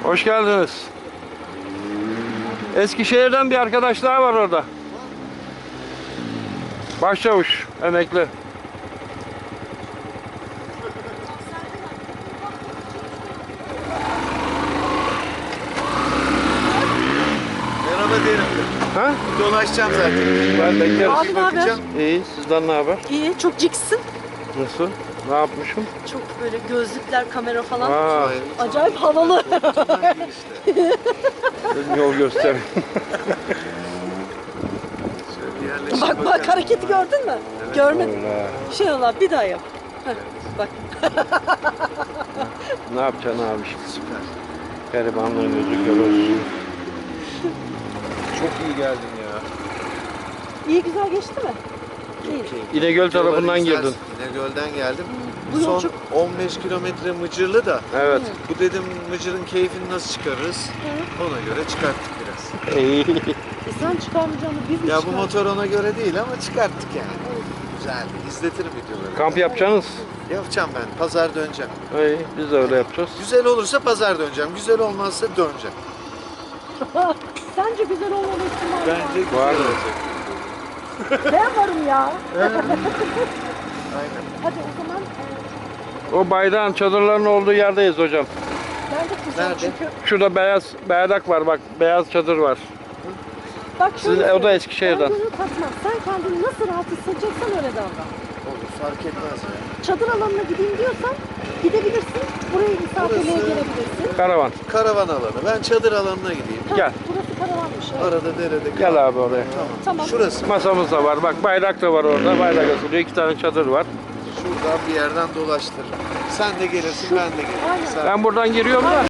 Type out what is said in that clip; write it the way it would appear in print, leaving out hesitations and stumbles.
Hoş geldiniz. Eskişehir'den bir arkadaş daha var orada. Başçavuş, emekli. Merhaba derim. Ha? Dolaşacağım zaten. Ben bekleriz. Abi ne haber? İyi, sizden ne haber? İyi, çok ciksin. Nasıl? Ne yapmışım? Çok böyle gözlükler, kamera falan. Aa, Acayip havalı. yol göster. Bak bak hareketi gördün mü? Görmedim. Öyle. Şey Allah bir daha yap. Heh, bak. Ne yapacaksın abi şimdi? Süper. Garibanlığın yüzü kör olsun. Çok iyi geldin ya. İyi güzel geçti mi? İyi. İnegöl tarafından girdin. İnegöl'den geldim. Bu yol Son çok- 15 kilometre Mıcırlı da. Evet. Bu dedim Mıcır'ın keyfini nasıl çıkarırız? Ona göre çıkarttık biraz. İyi. Sen çıkarmayacağını biz mi Ya bu çıkardık? motor ona göre değil ama çıkarttık yani. Güzel. İzletirim videoları. Kamp yapacaksınız. Yapacağım ben. Pazar döneceğim. İyi, biz de öyle yapacağız. Güzel olursa pazar döneceğim. Güzel olmazsa döneceğim. Sence güzel olmalı ihtimali var. Bence güzel Var mı? olacak. Ben varım ya. Aynen. Hadi o zaman O bayrağın çadırların olduğu yerdeyiz hocam. ben de kızım Nerede? çünkü. Şurada beyaz bayrak var bak, beyaz çadır var. Bak Sizin şöyle o da söyleyeyim. Eskişehir'den. Ben gönül katmam. Sen kendini nasıl rahat hissedeceksen öyle davran. Olur. Fark etmez ya. Çadır alanına gideyim diyorsan gidebilirsin. Buraya misafirliğe Burası- gelebilirsin. Karavan. Karavan alanı. Ben çadır alanına gideyim. Ha, Gel. Burası karavanmış. Evet. Arada derede kal. Gel abi oraya. Tamam. Şurası. Masamız da var. Bak bayrak da var orada. Bayrak asılıyor. 2 tane çadır var. Şuradan bir yerden dolaştırırım. Sen de gelirsin, ben de gelirim. Aynen. Sen... Ben buradan giriyorum da.